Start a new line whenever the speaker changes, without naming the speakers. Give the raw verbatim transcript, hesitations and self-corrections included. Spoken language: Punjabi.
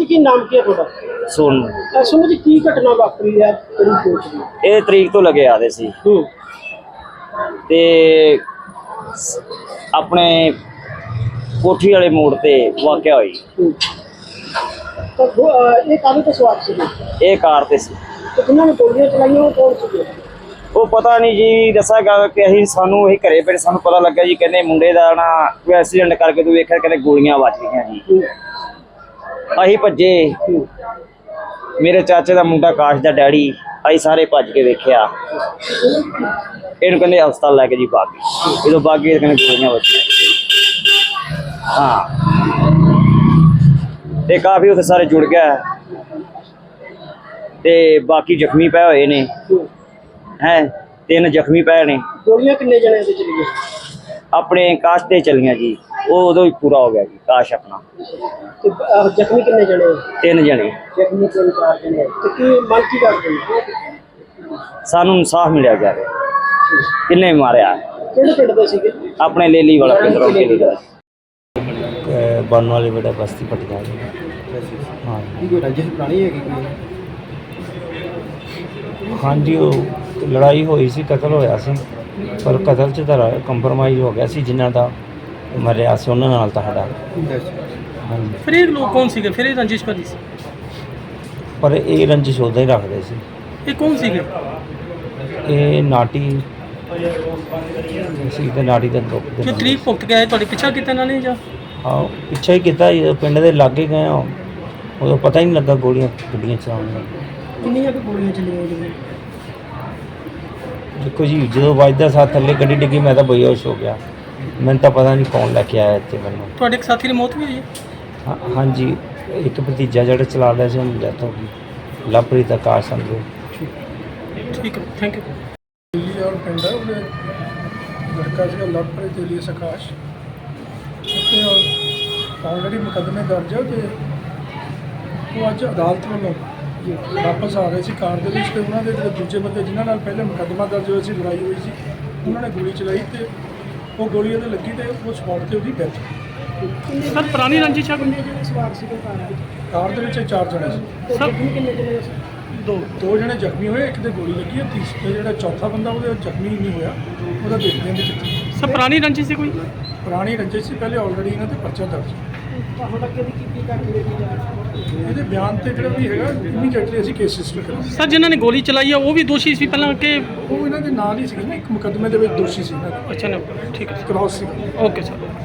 ਕੀ ਨਾਮ ਕੀ ਹੈ ਤੁਹਾਡਾ?
ਸੋਨੂੰ।
ਸੁਣੋ ਜੀ ਕੀ ਘਟਨਾ ਵਾਪਰੀ ਹੈ ਕਿਹੜੀ ਕੋਚ ਦੀ?
ਇਹ ਤਰੀਕ ਤੋਂ ਲੱਗੇ ਆਦੇ ਸੀ
ਹੂੰ
ਤੇ ਆਪਣੇ ਕੋਠੀ ਵਾਲੇ ਮੋੜ ਤੇ ਵਾਕਿਆ ਹੋਈ।
ਹੂੰ ਤਾਂ ਦੋ- ਅਹ ਇਹ ਕਾਹਦੇ ਤੋਂ ਸਵਾਰ ਸੀ?
ਇਹ ਕਾਰ ਤੇ ਸੀ।
ਤੇ ਜਿਨ੍ਹਾਂ ਨੇ ਗੋਲੀਆਂ ਚਲਾਈਆਂ ਉਹ ਕੌਣ ਸੀਗੇ?
ਉਹ ਪਤਾ ਨਹੀਂ ਜੀ, ਦੱਸਾਂਗਾ ਕਿ ਅਸੀਂ ਸਾਨੂੰ ਅਸੀਂ ਘਰੇ ਪਏ ਸਾਨੂੰ ਪਤਾ ਲੱਗਾ ਜੀ, ਕਹਿੰਦੇ ਮੁੰਡੇ ਦਾ ਨਾ ਕੋਈ ਐਕਸੀਡੈਂਟ ਕਰਕੇ ਤੂੰ ਵੇਖਿਆ ਕਹਿੰਦੇ ਗੋਲੀਆਂ ਵੱਜ ਗਈਆਂ ਜੀ।
ਹੂੰ
ਅਸੀਂ ਭੱਜੇ,
ਹੂੰ
ਮੇਰੇ ਚਾਚੇ ਦਾ ਮੁੰਡਾ ਕਾਸ਼ ਦਾ ਡੈਡੀ, ਅਸੀਂ ਸਾਰੇ ਭੱਜ ਕੇ ਵੇਖਿਆ, ਇਹਨੂੰ ਕਹਿੰਦੇ ਹਸਪਤਾਲ ਲੈ ਕੇ ਜੀ ਬਾਗੀ। ਜਦੋਂ ਬਾਗੀ ਕਹਿੰਦੇ ਗੋਲੀਆਂ ਵੱਜੀਆਂ। ਹਾਂ ਤੇ ਕਾਫੀ ਉੱਥੇ ਸਾਰੇ ਜੁੜ ਗਿਆ ਤੇ ਬਾਕੀ ਜ਼ਖਮੀ ਪਏ ਹੋਏ ਨੇ
ਹੂੰ।
ਹੈ, ਤਿੰਨ ਜ਼ਖਮੀ ਪਏ ਨੇ।
ਗੋਲੀਆਂ ਕਿੰਨੇ ਜਣੇ ਦੇ ਚਲੀਆਂ?
ਆਪਣੇ ਕਾਸ਼ ਤੇ ਚਲੀਆਂ ਜੀ, ਉਹ ਉਦੋਂ ਹੀ ਪੂਰਾ ਹੋ ਗਿਆ ਜੀ ਕਾਸ਼ ਆਪਣਾ।
ਤੇ ਅਹ, ਜ਼ਖਮੀ ਕਿੰਨੇ ਜਣੇ?
ਤਿੰਨ ਜਣੇ।
ਜ਼ਖਮੀ ਤਿੰਨ ਚਾਰ ਜਣੇ। ਤੇ ਕੀ ਮੰਗ ਕੀ ਕਰਦੇ ਹੋ?
ਸਾਨੂੰ ਇਨਸਾਫ ਮਿਲਿਆ ਜਾਵੇ, ਕਿੰਨੇ ਮਾਰਿਆ।
ਕਿਹੜੇ ਪਿੰਡ ਦੇ ਸੀਗੇ?
ਆਪਣੇ ਲੇਲੀ ਵਾਲਾ ਪਿੰਡ ਰੋਕੇ ਦਾ
बनने वाली बेटा बस्ती पटिया। हाँ
ਕੋਈ ਰੰਜਿਸ਼ ਪੁਰਾਣੀ ਹੈਗੀ ਕੋਈ?
हाँ जी, वो लड़ाई हुई सी, कतल होया सी, पर कतल च तो कंप्रोमाइज़ हो गया सी, जिन्हों का मरिया सी उन्होंने नाल तो साडा। हाँ जी,
फिर ये लोग कौन सीगे? फिर ये रंजिश करी सी?
पर ये रंजिश उदा ही रखते सी।
ये कौन सीगे?
ये नाटी सी ते नाटी दे लोग
जो तरीक भुगत के आए ਤੁਹਾਡੇ ਪਿੱਛਾ ਕੀਤਾ ਇਹਨਾਂ ਨੇ ਜਾਂ?
हाँ पिछा ही किया, जो पिंड के लागे गए उदों पता ही नहीं लगा गोलियां गड्डियां चलाने।
ਕਿੰਨੀਆਂ ਕੁ ਗੋਲੀਆਂ ਚਲੀਆਂ ਜੀ?
देखो जी, जो वजदा साथ थले गड्डी डिग्गी मैं तो बेहोश हो गया, मैंने तो पता नहीं कौन लैके आया इतने मैनू।
ਤੁਹਾਡੇ ਇੱਕ ਸਾਥੀ ਦੀ ਮੌਤ ਵੀ ਹੋਈ ਹੈ?
हाँ हाँ जी, एक भतीजा जो चला रहा से उन्होंने डेथ हो गई, लवप्रीत आकाश समझो।
ठीक है, थैंक यू।
ਦਿੱਲੀ ਔਰ ਪਿੰਡ ਹੈ ਉਹਦੇ ਲੜਕਾ ਸੀਗਾ ਲਵਪ੍ਰੀਤ ਏਲੀਅਸ ਆਕਾਸ਼, ਉੱਤੇ ਆਲਰੇਡੀ ਮੁਕੱਦਮੇ ਦਰਜ ਹੈ ਤੇ ਉਹ ਅੱਜ ਅਦਾਲਤ ਵੱਲੋਂ ਵਾਪਸ ਆ ਰਹੇ ਸੀ ਕਾਰ ਦੇ ਵਿੱਚ ਤੇ ਉਹਨਾਂ ਦੇ ਜਿਹੜੇ ਦੂਜੇ ਬੰਦੇ ਜਿਨ੍ਹਾਂ ਨਾਲ ਪਹਿਲੇ ਮੁਕੱਦਮਾ ਦਰਜ ਹੋਇਆ ਸੀ, ਲੜਾਈ ਹੋਈ ਸੀ, ਉਹਨਾਂ ਨੇ ਗੋਲੀ ਚਲਾਈ ਤੇ ਉਹ ਗੋਲੀ ਉਹਦੇ ਲੱਗੀ ਤੇ ਉਹ ਸਪੌਟ ਤੇ ਉਹਦੀ ਡੈਥ।
ਸਰ ਪੁਰਾਣੀ ਰੰਜਿਸ਼ ਆ ਕੋਈ?
ਕਿੰਨੇ ਜਣੇ ਸਵਾਰ ਸੀਗੇ ਕਾਰ ਵਿੱਚ?
ਕਾਰ ਦੇ ਵਿੱਚ ਇਹ ਚਾਰ ਜਣੇ ਸੀ,
ਤੇ ਜ਼ਖਮੀ ਕਿੰਨੇ ਜਣੇ ਸੀ?
ਦੋ।
ਦੋ ਜਣੇ ਜ਼ਖਮੀ ਹੋਏ, ਇੱਕ ਦੇ ਗੋਲੀ ਲੱਗੀ ਹੈ, ਤੀਸਰਾ ਜਿਹੜਾ ਚੌਥਾ ਬੰਦਾ ਉਹਦੇ ਜ਼ਖਮੀ ਨਹੀਂ ਹੋਇਆ, ਉਹਦਾ ਦੇਖਦੇ ਹਾਂ ਵੀ ਕਿੱਥੇ।
ਸਰ ਪੁਰਾਣੀ ਰੰਜਿਸ਼ ਸੀ ਕੋਈ?
ਪੁਰਾਣੀ ਰੰਜਿਸ਼ ਸੀ, ਪਹਿਲੇ ਆਲਰੇਡੀ ਇਹਨਾਂ ਤੇ ਪਰਚਾ ਦਰਜ।
ਹੁਣ ਤੱਕ ਇਹਦੀ ਕੀਤੀ ਕਰਕੇ ਦੇਖੀ ਜਾ ਰਹੀ ਹੈ?
ਇਹਦੇ ਬਿਆਨ ਤੇ ਜਿਹੜਾ ਵੀ ਹੈਗਾ ਇਮੀਡੀਏਟਲੀ ਅਸੀਂ ਕੇਸ ਰਜਿਸਟਰ ਕਰਾਂਗੇ।
ਸਰ ਜਿਨ੍ਹਾਂ ਨੇ ਗੋਲੀ ਚਲਾਈ ਆ ਉਹ ਵੀ ਦੋਸ਼ੀ ਸੀ ਪਹਿਲਾਂ ਕਿ?
ਉਹ ਇਹਨਾਂ ਦੇ ਨਾਲ ਹੀ ਸੀ ਨਾ, ਇੱਕ ਮੁਕੱਦਮੇ ਦੇ ਵਿੱਚ ਦੋਸ਼ੀ ਸੀ ਇਹਨਾਂ ਦਾ,
ਅੱਛਾ ਨਾ, ਠੀਕ ਹੈ,
ਕ੍ਰਾਸ ਸੀ।
Okay sir.